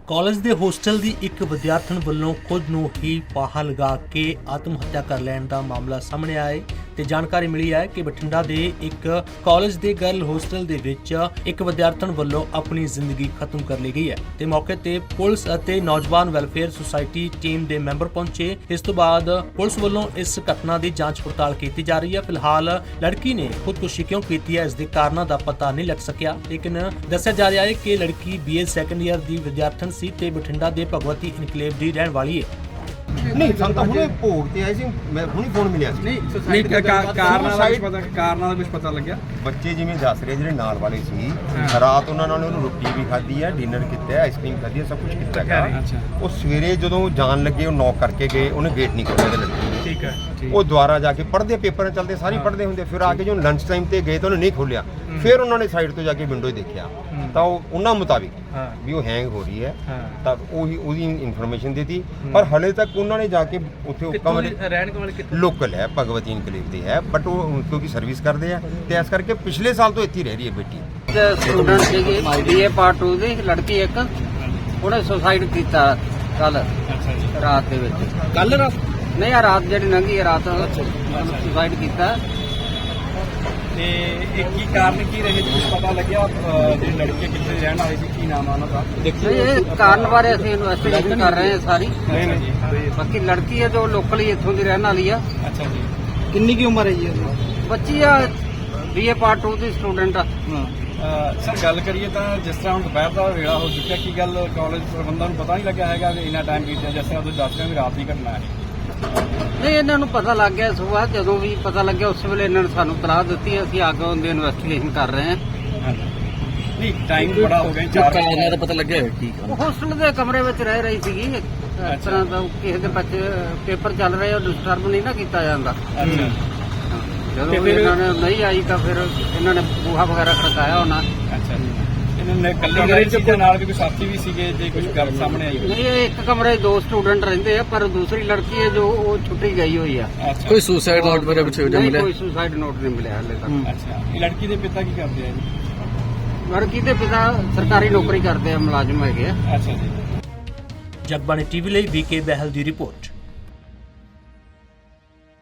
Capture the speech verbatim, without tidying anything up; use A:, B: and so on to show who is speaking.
A: College ਦੇ hostel ਦੀ ਇੱਕ ਵਿਦਿਆਰਥਣ ਵੱਲੋਂ ਖੁਦ ਨੂੰ ਹੀ ਫਾਹਾ ਲਗਾ ਕੇ ਆਤਮ ਹੱਤਿਆ ਕਰ ਲੈਣ ਦਾ ਮਾਮਲਾ ਸਾਹਮਣੇ ਆਇਆ ਹੈ ਤੇ ਜਾਣਕਾਰੀ ਮਿਲੀ ਹੈ ਕਿ ਬਠਿੰਡਾ ਦੇ ਇੱਕ ਕਾਲਜ ਦੇ ਗਰਲ ਹੋਸਟਲ ਦੇ ਵਿੱਚ ਇੱਕ ਵਿਦਿਆਰਥਣ ਵੱਲੋਂ ਆਪਣੀ ਜ਼ਿੰਦਗੀ ਖਤਮ ਕਰ ਲਈ ਗਈ ਹੈ ਤੇ ਮੌਕੇ ਤੇ ਪੁਲਿਸ ਅਤੇ ਨੌਜਵਾਨ ਵੈਲਫੇਅਰ ਸੁਸਾਇਟੀ ਟੀਮ ਦੇ ਮੈਂਬਰ ਪਹੁੰਚੇ। ਇਸ ਤੋਂ ਬਾਅਦ ਪੁਲਿਸ ਵੱਲੋਂ ਇਸ ਘਟਨਾ ਦੀ ਜਾਂਚ ਪੜਤਾਲ ਕੀਤੀ ਜਾ ਰਹੀ ਹੈ। ਫਿਲਹਾਲ ਲੜਕੀ ਨੇ ਖੁਦਕੁਸ਼ੀ ਕਿਉਂ ਕੀਤੀ ਹੈ ਇਸ ਦੇ ਕਾਰਨਾਂ ਦਾ ਪਤਾ ਨਹੀਂ ਲੱਗ ਸਕਿਆ, ਲੇਕਿਨ ਦੱਸਿਆ ਜਾ ਰਿਹਾ ਹੈ ਕਿ ਲੜਕੀ ਬੀਏ ਸੈਕੰਡ ਈਅਰ ਦੀ ਵਿਦਿਆਰਥਣ ਸੀ ਤੇ ਬਠਿੰਡਾ ਦੇ ਭਗਵਤੀ ਇਨਕਲੇਵ ਦੀ ਰਹਿਣ ਵਾਲੀ ਹੈ।
B: ਨਹੀਂ ਸਾਨੂੰ ਤਾਂ ਹੁਣੇ ਭੋਗ ਤੇ ਆਏ ਸੀ, ਮੈਂ ਹੁਣੇ ਫੋਨ ਮਿਲਿਆ ਸੀ।
C: ਨਹੀਂ ਸੁਸਾਇਟੀ ਦਾ ਕਾਰਨਾਂ ਦਾ ਕੁਝ ਪਤਾ ਕਾਰਨਾਂ ਦਾ ਕੁਝ ਪਤਾ ਲੱਗਿਆ?
B: ਬੱਚੇ ਜਿਵੇਂ ਦੱਸ ਰਹੇ ਜਿਹੜੇ ਨਾਲ ਵਾਲੇ ਸੀ, ਰਾਤ ਉਹਨਾਂ ਨਾਲ ਉਹਨੂੰ ਰੋਟੀ ਵੀ ਖਾਧੀ ਹੈ, ਡਿਨਰ ਕੀਤਾ ਹੈ, ਆਈਸਕ੍ਰੀਮ ਖਾਧੀ ਹੈ, ਸਭ ਕੁਝ ਕੀਤਾ ਹੈ। ਉਹ ਸਵੇਰੇ ਜਦੋਂ ਜਾਣ ਲੱਗੇ ਉਹ ਨੌਕ ਕਰਕੇ ਗਏ, ਉਹਨੇ ਗੇਟ ਨਹੀਂ ਖੋਲ੍ਹਿਆ ਤੇ ਲੜਕੀ ਨੇ।
C: ਠੀਕ ਹੈ।
B: ਉਹ ਦੁਆਰਾ ਜਾ ਕੇ ਪੜ੍ਹਦੇ ਪੇਪਰਾਂ ਚੱਲਦੇ ਸਾਰੇ ਪੜ੍ਹਦੇ ਹੁੰਦੇ, ਫਿਰ ਆ ਕੇ ਜਦੋਂ ਲੰਚ ਟਾਈਮ ਤੇ ਗਏ ਤਾਂ ਉਹਨੇ ਨਹੀਂ ਖੋਲ੍ਹਿਆ। ਫਿਰ ਉਹਨਾਂ ਨੇ ਸਾਈਡ ਤੋਂ ਜਾ ਕੇ ਵਿੰਡੋ ਦੇਖਿਆ ਤਾਂ ਉਹ ਉਹਨਾਂ ਮੁਤਾਬਿਕ ਵੀ ਉਹ ਹੈਂਗ ਹੋ ਰਹੀ ਹੈ, ਤਾਂ ਉਹੀ ਉਹਦੀ ਇਨਫੋਰਮੇਸ਼ਨ ਦਿੱਤੀ। ਪਰ ਹਲੇ ਤੱਕ ਉਹਨਾਂ ਨੇ ਜਾ ਕੇ ਉੱਥੇ ਕਮਰੇ
C: ਰਹਿਣ ਵਾਲੇ ਕਿੱਥੇ
B: ਲੋਕਲ ਹੈ, ਭਗਵਤੀ ਇਨਕਲੇਵ ਦੇ ਹੈ, ਬਟ ਉਹ ਕਿਉਂਕਿ ਸਰਵਿਸ ਕਰਦੇ ਆ ਤੇ ਇਸ ਕਰਕੇ ਪਿਛਲੇ ਸਾਲ ਤੋਂ ਇੱਥੇ ਹੀ ਰਹਿ ਰਹੀ ਹੈ ਬੇਟੀ।
D: ਸਟੂਡੈਂਟ ਸੀਗੀ ਬੀਏ ਪਾਰਟ ਟੂ ਦੀ ਲੜਕੀ ਇੱਕ, ਉਹਨੇ ਸੁਸਾਈਡ ਕੀਤਾ ਕੱਲ ਰਾਤ ਦੇ ਵਿੱਚ।
C: ਕੱਲ ਰਾਤ?
D: ਨਹੀਂ ਆ ਰਾਤ ਜਿਹੜੀ ਲੰਘੀ ਹੈ ਰਾਤ ਸੁਸਾਈਡ ਕੀਤਾ।
C: ਤੇ ਇਹ ਕੀ ਕਾਰਨ ਕੀ ਰਹੇ ਕੁਝ ਪਤਾ ਲੱਗਿਆ? ਜਿਹੜੀ ਲੜਕੀ ਕਿੱਥੇ ਰਹਿਣ ਵਾਲੀ ਸੀ, ਕੀ ਨਾਮ ਆ ਉਹਨਾਂ ਦਾ?
D: ਦੇਖੋ ਇਹ ਕਾਰਨ ਬਾਰੇ ਅਸੀਂ ਇਨਵੈਸਟੀਗੇਸ਼ਨ ਕਰ ਰਹੇ ਹਾਂ ਸਾਰੀ।
C: ਨਹੀਂ ਨਹੀਂ ਜੀ,
D: ਬਾਕੀ ਲੜਕੀ ਹੈ ਜੋ ਲੋਕਲੀ ਇੱਥੋਂ ਦੀ ਰਹਿਣ ਵਾਲੀ ਆ।
C: ਅੱਛਾ ਜੀ। ਕਿੰਨੀ ਕੀ ਉਮਰ ਹੈ ਜੀ ਉਹਦੀ?
D: ਬੱਚੀ ਆ ਬੀਏ ਪਾਰਟ ਟੂ ਦੀ ਸਟੂਡੈਂਟ ਆ।
C: ਸਰ ਗੱਲ ਕਰੀਏ ਤਾਂ ਜਿਸ ਤਰ੍ਹਾਂ ਹੁਣ ਦੁਪਹਿਰ ਦਾ ਵੇਲਾ ਹੋ ਚੁੱਕਿਆ, ਕੀ ਗੱਲ ਕਾਲਜ ਪ੍ਰਬੰਧਾਂ ਨੂੰ ਪਤਾ ਨਹੀਂ ਲੱਗਿਆ ਹੈਗਾ ਕਿ ਇੰਨਾ ਟਾਈਮ ਬੀਤਿਆ? ਜਿਸ ਤਰ੍ਹਾਂ ਤੁਸੀਂ ਦੱਸ ਰਹੇ ਹੋ ਵੀ ਰਾਤ ਦੀ ਘਟਨਾ ਹੈ।
D: ਨਹੀਂ ਇਹਨਾਂ ਨੂੰ ਪਤਾ ਲੱਗ ਗਿਆ ਸੁਬਾਹ, ਜਦੋਂ ਵੀ ਪਤਾ ਲੱਗਿਆ ਉਸ ਵੇਲੇ ਇਹਨਾਂ ਨੇ ਸਾਨੂੰ ਤਲਾਹ ਦਿੱਤੀ। ਅਸੀਂ ਅੱਗੇ ਉਹਦੀ ਇਨਵੈਸਟੀਗੇਸ਼ਨ ਕਰ ਰਹੇ ਹਾਂ।
C: ਨਹੀਂ ਟਾਈਮ ਬੜਾ ਹੋ ਗਿਆ, ਚਾਰ
E: ਕਾਰਨਾਂ ਦਾ ਪਤਾ ਲੱਗਿਆ ਹੈ ਕੀ?
D: ਉਹ ਹੋਸਟਲ ਦੇ ਕਮਰੇ ਵਿੱਚ ਰਹਿ ਰਹੀ ਸੀਗੀ। ਇਸ ਤਰ੍ਹਾਂ ਦਾ ਕਿਸੇ ਦੇ ਬੱਚੇ ਪੇਪਰ ਚੱਲ ਰਹੇ ਉਹ ਡਿਸਟਰਬ ਨਹੀਂ ਨਾ ਕੀਤਾ ਜਾਂਦਾ।
C: ਅੱਛਾ।
D: ਜਦੋਂ ਵੀ ਇਹਨਾਂ ਨੇ ਨਹੀਂ ਆਈ ਤਾਂ ਫਿਰ ਇਹਨਾਂ ਨੇ ਬੂਹਾ ਵਗੈਰਾ ਖੜਕਾਇਆ ਹੋਣਾ।
C: ਅੱਛਾ ਜੀ। ਇਹਨਾਂ ਨੇ ਕੱਲੇ ਕਮਰੇ ਚ ਕੋਈ ਨਾਲ ਵੀ ਕੋਈ ਸਾਥੀ ਵੀ ਸੀਗੇ ਜੇ ਕੁਝ ਗੱਲ ਸਾਹਮਣੇ ਆਈ?
D: ਨਹੀਂ ਇਹ ਇੱਕ ਕਮਰੇ 'ਚ ਦੋ ਸਟੂਡੈਂਟ ਰਹਿੰਦੇ ਆ, ਪਰ ਦੂਸਰੀ ਲੜਕੀ ਹੈ ਜੋ ਉਹ ਛੁੱਟੀ ਗਈ ਹੋਈ ਆ।
E: ਕੋਈ ਸੁਸਾਈਡ ਨੋਟ ਮੇਰੇ ਪਿੱਛੇ
D: ਨਹੀਂ
E: ਮਿਲਿਆ?
D: ਕੋਈ ਸੁਸਾਈਡ ਨੋਟ ਨਹੀਂ ਮਿਲਿਆ ਹਾਲੇ ਤੱਕ।
C: ਅੱਛਾ। ਇਹ ਲੜਕੀ ਦੇ ਪਿਤਾ ਕੀ ਕਰਦੇ ਆ ਜੀ?
D: ਲੜਕੀ ਦੇ ਪਿਤਾ ਸਰਕਾਰੀ ਨੌਕਰੀ ਕਰਦੇ ਆ, ਮੁਲਾਜ਼ਮ ਹੈਗੇ ਆ।
C: ਅੱਛਾ ਜੀ।
A: ਜਗਬਾਣੀ ਟੀਵੀ ਲਈ ਵੀਕੇ ਬਹਿਲ ਦੀ ਰਿਪੋਰਟ।